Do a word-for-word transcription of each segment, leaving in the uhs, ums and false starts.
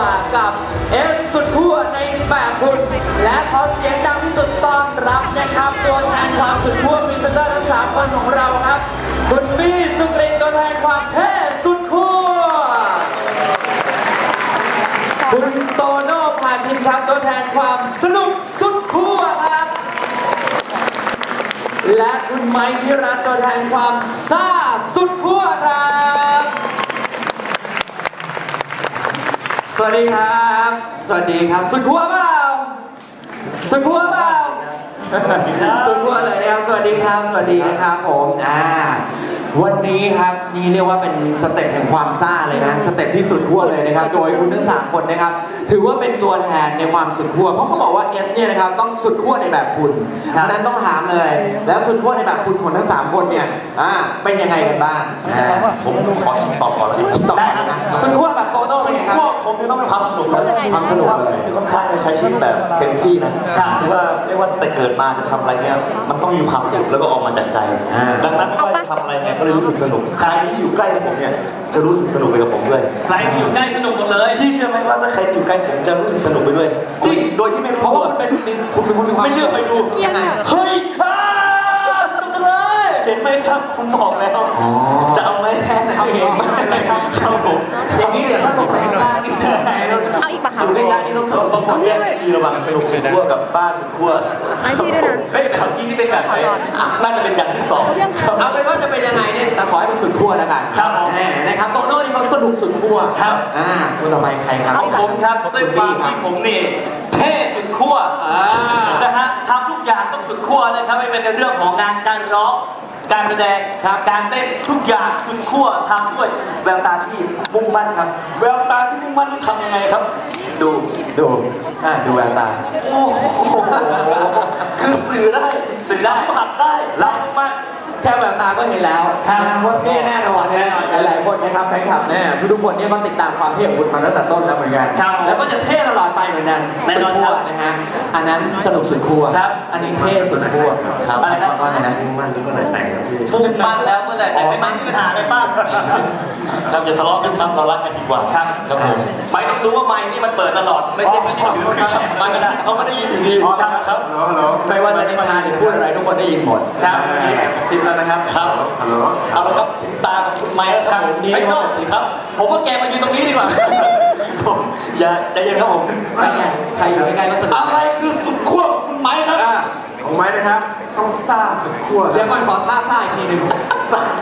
ว่ากับเอฟสุดขั้วในแบบคุณและขอเสียงดังที่สุดต้อนรับนะครับตัวแทนความสุดขั้วพรีเซนเตอร์ทั้งสามคนของเราครับคุณบี้สุกรินตัวแทนความเท่สุดขั้วคุณโตโน่พาคินครับตัวแทนความสนุกสุดขั้วครับและคุณไมค์พิรัตน์ตัวแทนความซ่าสุดขั้วครับสวัสดีครับสวัสดีครับสุดขั้วเปล่าสุดขั้วเปล่าสุดขั้วเลยนะครับสวัสดีครับสวัสดีนะครับผมอ่าวันนี้ครับนี่เรียกว่าเป็นสเต็ปแห่งความซ่าเลยนะสเต็ปที่สุดขั้วเลยนะครับโดยคุณทั้งสามคนนะครับถือว่าเป็นตัวแทนในความสุดขั้วเพราะเขาบอกว่าเอสเนี่ยนะครับต้องสุดขั้วในแบบคุณดังนั้นต้องถามเลยแล้วสุดขั้วในแบบคุณของทั้งสามคนเนี่ยอ่าเป็นยังไงกันบ้างผมขอตอบก่อนแล้วตอบก่อนนะสุดขั้วแบบโตโน่เป็นไงครับผมคือต้องเป็นความสนุกครับความสนุกเลยค่อนข้างจะใช้ชีวิตแบบเต็มที่นะคือว่าเรียกว่าแต่เกิดมาจะทำอะไรเนี่ยมันต้องมีความสุขแล้วก็ออกมาจากใจดังนั้นไม่ว่าจะทำอะไรเนี่ยก็เลยรู้สึกสนุกใครที่อยู่ใกล้กับผมเนี่ยจะรู้สึกสนุกไปกับผมด้วยใครที่อยู่ใกล้สนุกหมดเลยที่เชื่อไหมว่าถ้าใครอยู่ใกล้ผมจะรู้สึกสนุกไปด้วยจริงโดยที่ไม่รู้เพราะว่าคุณเป็นคุณเป็นคนมีความไม่เชื่อไปดูยังไงเฮ้ยสนุกจังเลยเห็นไหมครับผมบอกแล้วจะเอาไหมแค่นั้นเองอะไรครับครับผมอย่างนี้เดี๋ยวถ้าลงไปข้างล่างนี่เจออะไรเอาอีกปะอยู่ใกล้ๆนี่ต้องสนุกต้องคนแยกดีระหว่างสนุกสุดขั้วกับบ้าสุดขั้วไอพี่ด้วยนะเฮ้ยข่าวกี้นี่เป็นแบบไหนน่าจะเป็นอย่างที่สองเอาเป็นว่าจะเป็นยังไงเนี่ยแต่ขอให้เป็นสุดขั้วแล้วกันครับนะครับโตโน่นี่เขาสนุกสุดขั้วครับอ่าคนต่อไปใครครับผมครับด้วยความที่ผมนี่เท่สุดขั้วนะฮะทำทุกอย่างต้องสุดขั้วเลยครับไม่เป็นในเรื่องของงานการร้องการแสดงการเต้นทุกอย่างสุดขั้วทำด้วยแววตาที่มุ่งมั่นครับแววตาที่มุ่งมั่นที่ทำยังไงครับดูดูอ่าดูแววตาโอ้โหคือสื่อได้สื่อได้ผัดได้รับมั่นแค่แววตาก็เห็นแล้วนะว่าเท่แน่นอนนะหลายๆคนนะครับแฟนคลับแน่ทุกๆคนเนี่ยก็ติดตามความเท่ของคุณมาตั้งแต่ต้นแล้วเหมือนกันแล้วก็จะเท่ตลอดไปเหมือนกันสุดขั้วนะฮะอันนั้นสนุกสุดขั้วอันนี้เท่สุดขั้วอะไรนะว่าไงนะมุ่งมั่นเมื่อไหร่แต่งครับพี่มุ่งมั่นแล้วเมื่อไหร่แต่งไม่มั่นมีปัญหาอะไรบ้างครับอย่าทะเลาะกันครับเรารักกันดีกว่าครับครับผมไม่ต้องรู้ว่าไมค์นี่มันเปิดตลอดไม่ใช่ไม่ใช่ถือไม่ไม่ได้เขาไม่ได้ยินอยู่ดีครับครับไม่ว่าจะนินทาหรือพูดอะไรทุกคนได้ยินหมดครับนี่แอบซิปแล้วนะครับครับเอาละครับตาของคุณไม้แล้วครับผมนี่ก็สิครับผมว่าแกมายืนตรงนี้ดีกว่าผมอย่าใจเย็นครับผมใครอยู่ใกล้ๆก็สนุกอะไรคือสุดขั้วคุณไม้ครับของไม้นะครับต้องซ่าสุดขั้วเดี๋ยวก่อนขอท่าซ่าอีกทีหนึ่งซ่า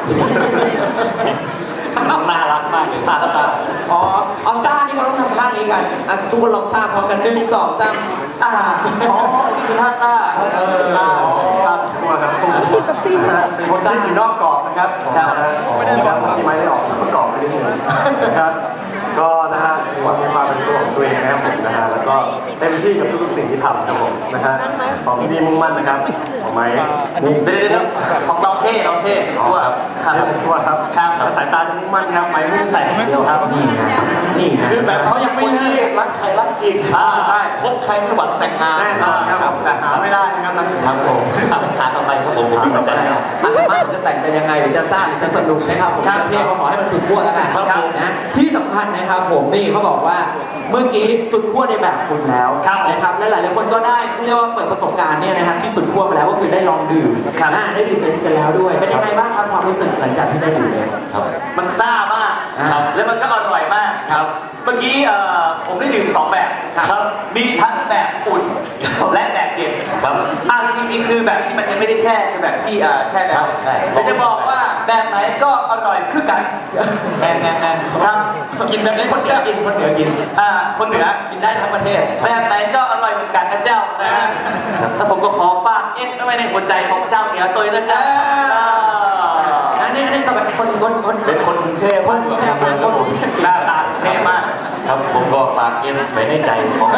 น่ารักมากเลยท่าซ่าอ๋อเอาซ่านี่เราต้องทำท่านี้กันทุกคนลองซ่าพร้อมกันหนึ่งสองสามซ่าอ๋อนี่คือท่าซ่าเออซ่าซ่าขั้วครับคนซ่าอยู่นอกกรอบนะครับครับที่ไม้ได้ออกนอกกรอบไปนิดนึงนะครับก็นะฮะความมีความเป็นตัวของตัวเองนะครับผมนะฮะแล้วก็เต็มที่กับทุกๆสิ่งที่ทำครับผมนะฮะของที่นี่มุ่งมั่นนะครับของไม้นี่เดี๋ยวๆของเราเท่เราเท่ขั้วครับครับขั้วครับครับสายตามุ่งมั่นครับไม้มุ่งแต่เดียวครับนี่ไงนี่คือแบบเขายังไม่เลิกรักใครรักจริงใช่คบใครไม่หวังแต่งงานแน่นอนครับแต่หาไม่ได้นะครับครับผมหาต่อไปครับผมผมมีใจแล้วอาจจะว่าจะแต่งจะยังไงหรือจะสร้างจะสนุกนะครับผมจะเท่ก็ขอให้มันสุดขั้วแล้วกันนะที่สำคัญนะครับผมนี่เขาบอกว่าเมื่อกี้สุดขั้วในแบบคุณแล้วนะครับและหลายๆคนก็ได้เรียกว่าเปิดประสบการณ์เนี่ยนะครับที่สุดขั้วมาแล้วก็คือได้ลองดื่มได้ดื่มเอสกันแล้วด้วยเป็นยังไงบ้างครับความรู้สึกหลังจากที่ได้ดื่มเอสครับมันซ่ามากแล้วมันก็อร่อยมากครับเมื่อกี้ผมได้ดื่มสองแบบครับมีทั้งแบบอุ่นและแบบเย็นครับอ่าจริงๆคือแบบที่มันยังไม่ได้แช่คือแบบที่แช่แล้วแต่จะบอกว่าแบบไหนก็อร่อยคือกันแน่นแน่นแน่นครับกินแบบนี้คนเหนือกินคนเหนือกินอ่าคนเหนือกินได้ทั้งประเทศแบบไหนก็อร่อยเหมือนกันนะเจ้านะถ้าผมก็ขอฝากเอ็กไว้ในหัวใจของเจ้าเหนือตัวนะเจ้าอันนี้อันนี้ต้องเป็นคนคนคนเป็นคนกรุงเทพคนกรุงเทพคนกรุงเทพหน้าตาเท่มากครับผมก็ฝากเอสไว้ในใจของ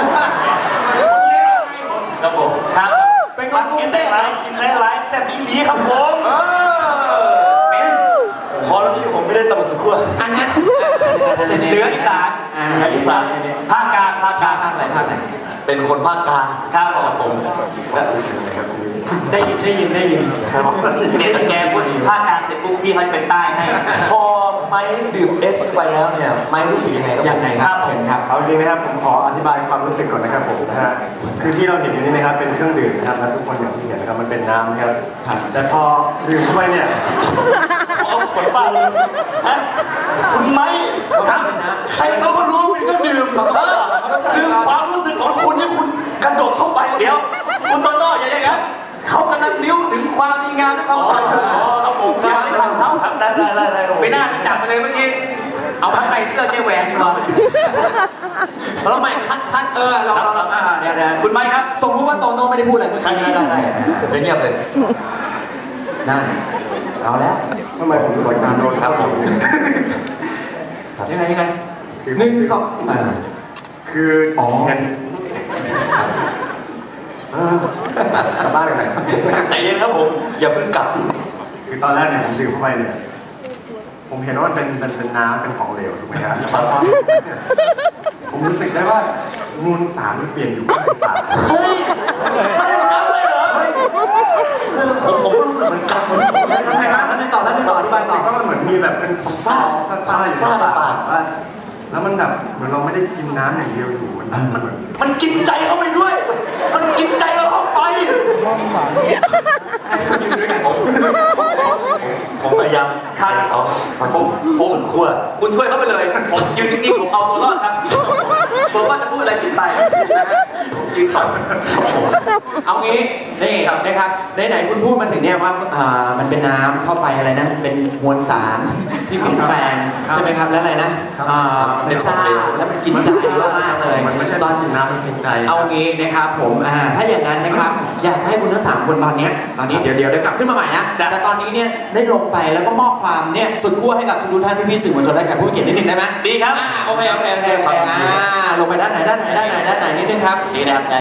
ครับผมครับเป็นคนกรุงเทพกินหลายๆแซ่บอีหลีครับผมพอแล้วพี่ผมไม่ได้ตลกสุดขั้วอันนั้นเหนืออีสานอีสานภาคกลางภาคกลางภาคไหนภาคไหนเป็นคนภาคกลางครับผมได้ยินได้ยินได้ยินครับเดี๋ยวแกพูดภาคกลางเสร็จปุ๊บพี่เขาเป็นใต้ให้พอไม้ดื่มเอสไปแล้วเนี่ยไม้รู้สึกยังไงครับยังไงครับเชิญครับเอาจริงนะครับผมขออธิบายความรู้สึกก่อนนะครับผมนะฮะคือที่เราเห็นอยู่นี่นะครับเป็นเครื่องดื่มนะครับและทุกคนอย่างที่เห็นนะครับมันเป็นน้ำครับแต่พอดื่มเข้าไปเนี่ยเอาขวดบ้าเลยฮะคุณไม้ครับใครเขาก็รู้เป็นเครื่องดื่มเออคือความรู้สึกของคุณที่คุณกระโดดเข้าไปเดี๋ยวคุณโตโต้อย่าอย่างนั้นเขากำลังนิ้วถึงความดีงามที่เขาไปครับผมครับไม่ทันเขาได้ได้ได้ได้ไม่น่าจับไปเลยเมื่อกี้เอาข้างในเสื้อเจ๊แหวนเราเราใหม่คัดคัดเออเราเราเราอ่าเดี๋ยวเดี๋ยวคุณไม้ครับสมมติว่าโตโน่ไม่ได้พูดอะไรเมื่อได้กี้ได้ได้ได้เงียบเลยนั่นเอาแล้วทำไมผมรู้สึกโดนครับผมยังไงยังไงหนึ่งสองอ่าคืออ๋อเห็นกลับบ้านกันไหนใจเย็นครับผมอย่าเพิ่งกลับคือตอนแรกเนี่ยผมซื้อเข้าไปเนี่ยผมเห็นว่ามันเป็นเป็นเป็นน้ำเป็นของเหลวถูกไหมครับผมรู้สึกได้ว่ามูลสารมันเปลี่ยนอยู่ในปากเฮ้ยไม่ได้กันเลยเหรอผมผมรู้สึกเหมือนกันท่านไม่ท่านไม่ต่อท่านไม่ต่ออธิบายต่อก็มันเหมือนมีแบบเป็นซ่าซ่าซ่าซ่าปากว่าแล้วมันแบบเหมือนเราไม่ได้กินน้ำอย่างเดียวอยู่มันมันเหมือนมันกินใจเข้าไปด้วย มันกินใจเราเข้าไปผมพยายามฆ่าเขาผมผมสุดขั้วคุณช่วยเขาไปเลยผมยืนนิ่งๆผมเอาตัวรอดครับผมว่าจะพูดอะไรผิดไปยืนฝันเอางี้นี่นะครับไหนๆคุณพูดมาถึงเนี่ยว่าอ่ามันเป็นน้ำเข้าไปอะไรนะเป็นมวลสารที่เปลี่ยนแปลงใช่ไหมครับแล้วอะไรนะอ่าเป็นซ่าแล้วมันกินใจมากๆเลยมันไม่ใช่ตอนกินน้ำมันกินใจเอางี้นะครับผมอ่าถ้าอย่างนั้นนะครับอยากจะให้คุณทั้งสามคนตอนเนี้ยตอนนี้เดี๋ยวเดี๋ยวเดี๋ยวกลับขึ้นมาใหม่นะแต่ตอนนี้เนี่ยได้ลงไปแล้วก็มอบความเนี่ยสุดขั้วให้กับทุกท่านพี่ๆสื่อมวลชนและแขกผู้เกียรตินิดนึงได้ไหมดีครับอ่าโอเคโอเคโอเคอ่าลงไปด้านไหนด้านไหนด้านไหนด้านไหนนิดนึงครับดีนะครับ